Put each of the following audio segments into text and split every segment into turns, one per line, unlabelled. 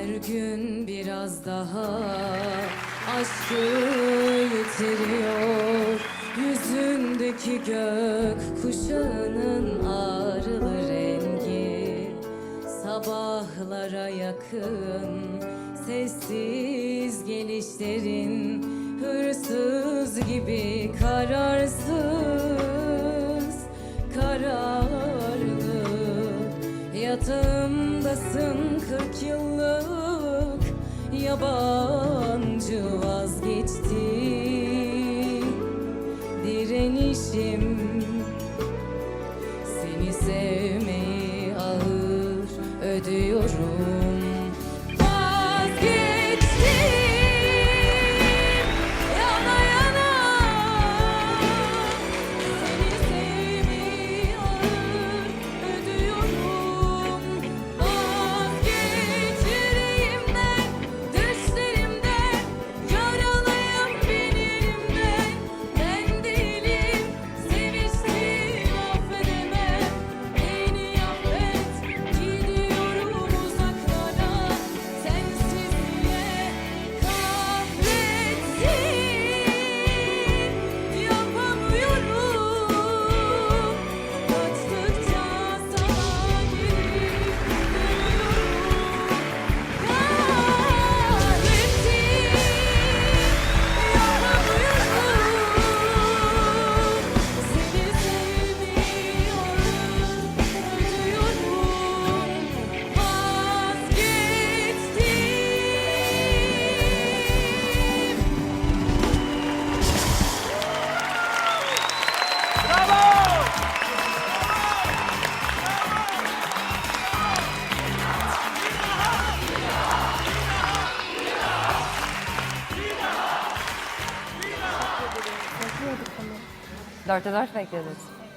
Her gün biraz daha aşkı yitiriyor. Yüzündeki gök kuşağının ağrılı rengi. Sabahlara yakın sessiz gelişlerin, hırsız gibi kararsız, kararlı. Yatağımdasın 40 yıllık yabancı, vazgeçti direnişim. Seni sevmeyi ağır ödüyorum.
Dörtte dört bekleriz.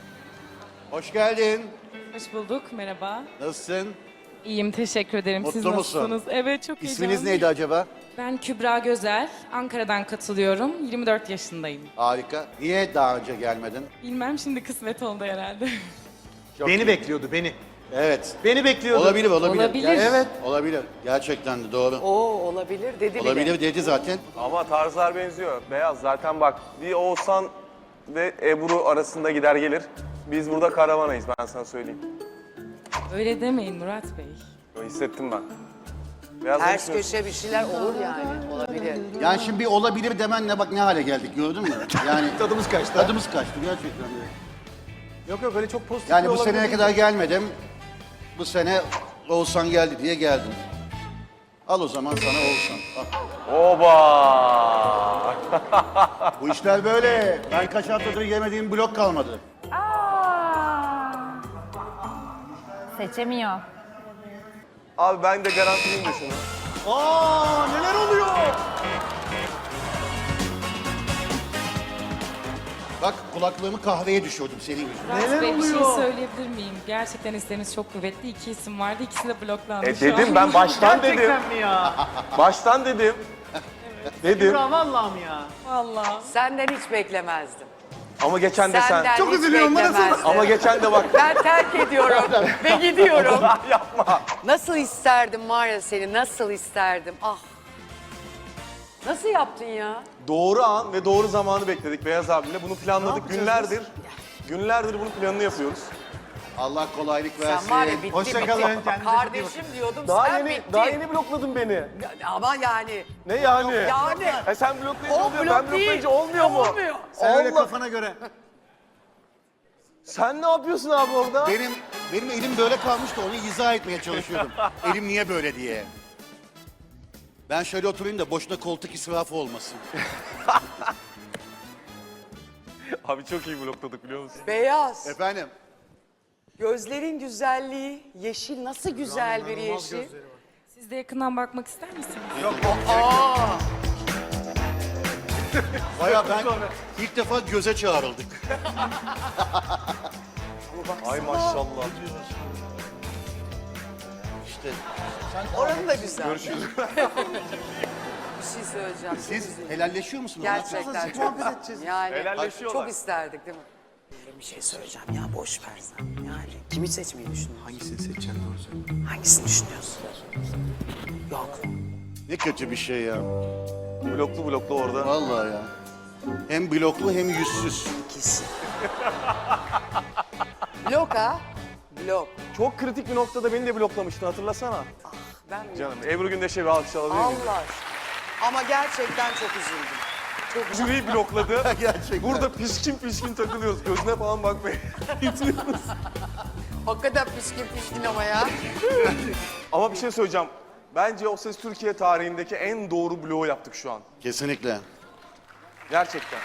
Hoş geldin.
Hoş bulduk, merhaba.
Nasılsın?
İyiyim, teşekkür ederim.
Mutlu
Siz
musun?
nasılsınız? Evet, çok
İsminiz
heyecanlıyım.
neydi acaba?
Ben Kübra Gözel, Ankara'dan katılıyorum. 24 yaşındayım.
Harika. Niye daha önce gelmedin?
Bilmem, şimdi kısmet oldu herhalde.
Çok
Beni
iyi.
bekliyordu, beni.
Evet.
Beni bekliyordu.
Olabilir.
Olabilir.
Evet. Olabilir. Gerçekten de doğru.
Oo, olabilir dedi bile.
Olabilir dedi zaten.
Ama tarzlar benziyor. Beyaz zaten bak bir Oğuzhan ve Ebru arasında gider gelir. Biz burada karavanayız ben sana söyleyeyim.
Öyle demeyin Murat Bey.
Yo, hissettim ben. Beyaz ne
Ters
düşünüyorsun?
köşe bir şeyler olur yani. Olabilir.
Yani şimdi bir olabilir demenle bak ne hale geldik gördün mü? Yani
Tadımız kaçtı.
tadımız kaçtı gerçekten de.
Yok yok öyle çok pozitif
Yani
bir
bu
olabilir
seneye
değil.
kadar gelmedim. Bu sene Oğuzhan geldi diye geldim. Al o zaman sana Oğuzhan. Al.
Oba!
Bu işler böyle. Ben kaç haftadır yemediğim blok kalmadı.
Seçemiyor.
Abi ben de garantiliyim de şunu.
Aa neler oluyor?
Bak kulaklığımı kahveye düşürdüm senin yüzünden.
Murat
Neler
Bey, bir şey
oluyor?
söyleyebilir miyim? Gerçekten isteminiz çok kuvvetli. 2 isim vardı, ikisi de bloklandı şu
Dedim
an.
ben baştan dedim.
Gerçekten mi ya?
Baştan dedim. Dedim.
Kübra vallahi ya?
Vallahi.
Senden hiç beklemezdim.
Ama geçen de sen.
Senden
Çok
hiç
üzülüyorum, bana
beklemezdim.
Ama geçen de bak.
Ben terk ediyorum ve gidiyorum.
Yapma.
Nasıl isterdim var ya seni, nasıl isterdim. Ah. Nasıl yaptın ya?
Doğru an ve doğru zamanı bekledik Beyaz abiyle. Bunu planladık
yapacağız
günlerdir. Günlerdir bunun planını yapıyoruz.
Allah kolaylık versin.
Sen var ya bitti
Hoşça kalın,
bitti.
kendinize çok iyi
Kardeşim diyordum sen bittin.
blokladın beni.
Ama yani.
Ne yani?
Yani.
Sen bloklayınca
O
oluyor,
blok
ben bloklayınca
değil.
olmuyor mu?
Olmuyor.
Sen öyle
Allah.
kafana göre.
Sen ne yapıyorsun abi orada?
Benim elim böyle kalmıştı onu izah etmeye çalışıyordum. Elim niye böyle diye. Ben şöyle oturayım da boşuna koltuk israfı olmasın.
Abi çok iyi blokladık biliyor musun?
Beyaz.
Efendim?
Gözlerin güzelliği, yeşil nasıl güzel bir yeşil.
Siz de yakından bakmak ister misiniz?
Baya ben ilk defa göze çağrıldık.
Ay maşallah.
İşte
Oranı da güzel.
Görüşürüz.
Bir şey söyleyeceğim.
siz helalleşiyor musunuz?
Gerçekten çok yani
Helalleşiyorlar.
çok isterdik değil mi? Bir şey söyleyeceğim ya boş ver sen. Yani kimi seçmeyi düşünüyorsun?
Hangisini seçeceğim doğru söyle.
Hangisini düşünüyorsun?
Ne kötü bir şey ya.
Bloklu orada.
Vallahi ya. Hem bloklu hem yüzsüz.
İkisi. Blok ha? Blok.
Çok kritik bir noktada beni de bloklamıştın, hatırlasana.
Ben
Canım, Ebru Gündeş'e bir alkış alabilir miyim?
Allah aşkına. Ama gerçekten çok üzüldüm. Çok üzüldüm.
Jüriyi blokladı.
Gerçekten.
Burada pişkin takılıyoruz. Gözüne falan bakmayın.
Hakikaten pişkin ama ya.
Ama bir şey söyleyeceğim. Bence O Ses Türkiye tarihindeki en doğru bloğu yaptık şu an.
Kesinlikle.
Gerçekten.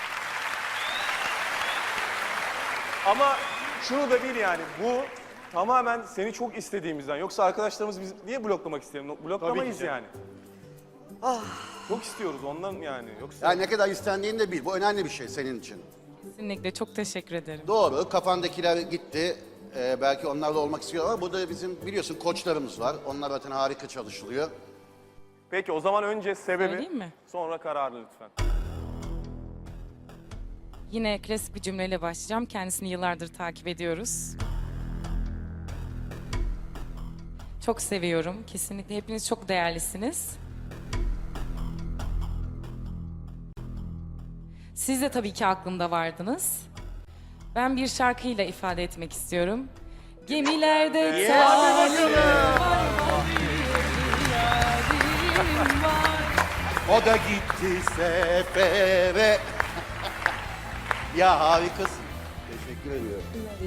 Ama şunu da bil yani, bu tamamen seni çok istediğimizden. Yoksa arkadaşlarımız biz niye bloklamak isteyelim? Bloklamayız yani. Çok istiyoruz ondan yani. Yoksa
Yani ne kadar istendiğini de bil. Bu önemli bir şey senin için.
Kesinlikle çok teşekkür ederim.
Doğru. Kafandakiler gitti. Belki onlarla olmak istiyor ama burada bizim biliyorsun koçlarımız var. Onlar zaten harika çalışılıyor.
Peki o zaman önce sebebi,
Söyleyeyim mi?
sonra kararı lütfen.
Yine klasik bir cümleyle başlayacağım. Kendisini yıllardır takip ediyoruz. Çok seviyorum. Kesinlikle hepiniz çok değerlisiniz. Siz de tabii ki aklımda vardınız. Ben bir şarkıyla ifade etmek istiyorum. Gemilerde taşlarım var.
O da gitti sefere. Ya harikasın. Teşekkür ediyorum.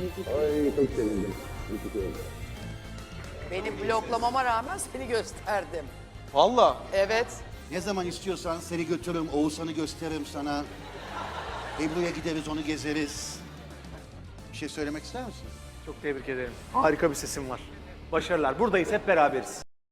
Beni bloklamama rağmen seni gösterdim.
Valla.
Evet.
Ne zaman istiyorsan seni götürürüm, Oğuzhan'ı gösteririm sana. Ebru'ya gideriz, onu gezeriz. Bir şey söylemek ister misin?
Çok tebrik ederim. Harika bir sesin var. Başarılar. Buradayız, hep beraberiz.